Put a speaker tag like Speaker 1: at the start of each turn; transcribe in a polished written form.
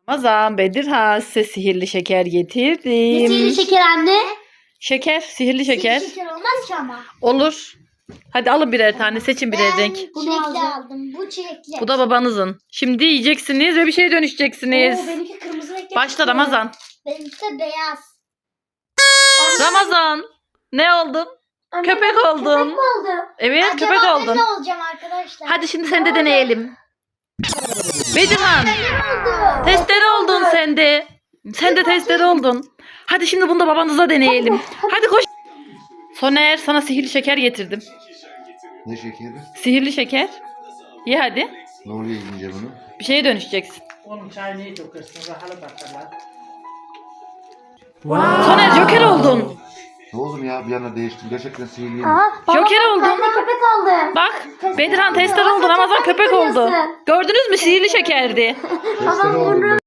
Speaker 1: Ramazan, Bedirhan size sihirli şeker getirdim.
Speaker 2: Sihirli şeker anne.
Speaker 1: Şeker, sihirli şeker.
Speaker 2: Sihirli şeker olmaz ki ama.
Speaker 1: Olur. Hadi alın birer tane, seçin birer renk.
Speaker 2: Çilekli aldım. Bu çilekli.
Speaker 1: Bu da babanızın. Şimdi yiyeceksiniz ve bir şeye dönüşeceksiniz.
Speaker 2: Benimki kırmızı renkli.
Speaker 1: Başla Ramazan.
Speaker 2: Benimki de beyaz.
Speaker 1: Ramazan. Ne oldun?
Speaker 2: Anne,
Speaker 1: Köpek oldun.
Speaker 2: Köpek mi oldum?
Speaker 1: Evet,
Speaker 2: Acaba
Speaker 1: köpek
Speaker 2: ben
Speaker 1: oldun.
Speaker 2: ne olacağım arkadaşlar?
Speaker 1: Hadi şimdi sen de deneyelim. Bedirhan.
Speaker 2: oldu?
Speaker 1: Testere oldun sen de. Sen de testere oldun. Hadi şimdi bunu da babanıza deneyelim. Hadi koş. Soner, sana sihirli şeker getirdim.
Speaker 3: Ne şekeri?
Speaker 1: Sihirli şeker. Ye hadi.
Speaker 3: Ne oluyor yiyince bunu?
Speaker 1: Bir şeye dönüşeceksin.
Speaker 4: Oğlum çay neyi dökersin? Rahalı bakarlar.
Speaker 1: Soner, Joker oldun.
Speaker 3: Ne oğlum ya bir anda değiştim. Gerçekten sihirliyim.
Speaker 1: Joker oldun.
Speaker 2: Ben de köpek oldum.
Speaker 1: Bak, Bedirhan testere oldu. Ramazan köpek oldu. Gördünüz mü? Sihirli şekerdi.
Speaker 3: Testere oldum ben.